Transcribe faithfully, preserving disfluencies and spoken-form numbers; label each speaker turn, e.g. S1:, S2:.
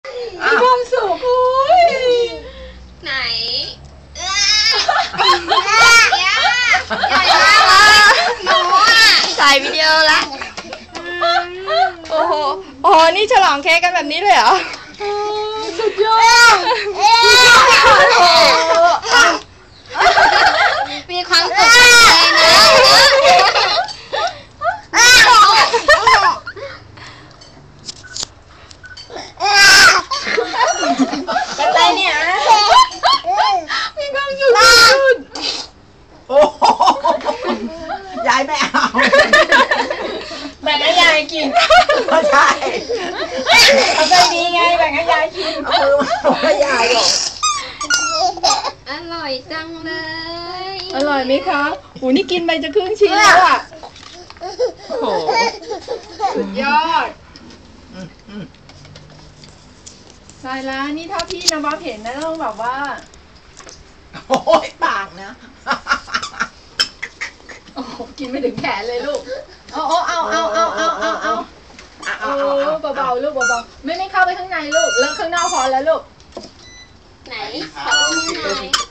S1: มีความสุขคุย
S2: ไหนใหญ่มากเลยหนูอ่ะถ่ายวิดีโอละ
S1: โอ้โหโอ้โหนี่ฉลองเค้กกันแบบนี้เลยเหรอสุดยอด
S2: มีความสุขเลยนะ
S1: เป็นไรเนี่ยมีความสุขสุด
S3: โอ้โหยายไม่เอา
S1: แบ่งให้ยายกิน
S3: ไม่ใช่
S1: เอาใจดีไงแบ่งให้ยายกิน
S3: เอามือมาให้ยายหรอก
S2: อร่อยจังเลย
S1: อร่อยไหมคะโหนี่กินไปจะครึ่งชิ้นแล้วอ่ะโอ้โหสุดยอดใช่แล้วนี่เท่าที่นะบ๊อบเห็นนะต้องแบบว่า
S3: โอ้ยปากนะ
S1: โอ้กินไม่ถึงแขนเลยลูกเอาเอาเอาเอาเอาเอาเอาเอาเอาเบาๆลูกเบาๆไม่ไม่เข้าไปข้างในลูกแล้วข้างนอกพอแล้วลูก
S2: ไหนขอดูหน่อย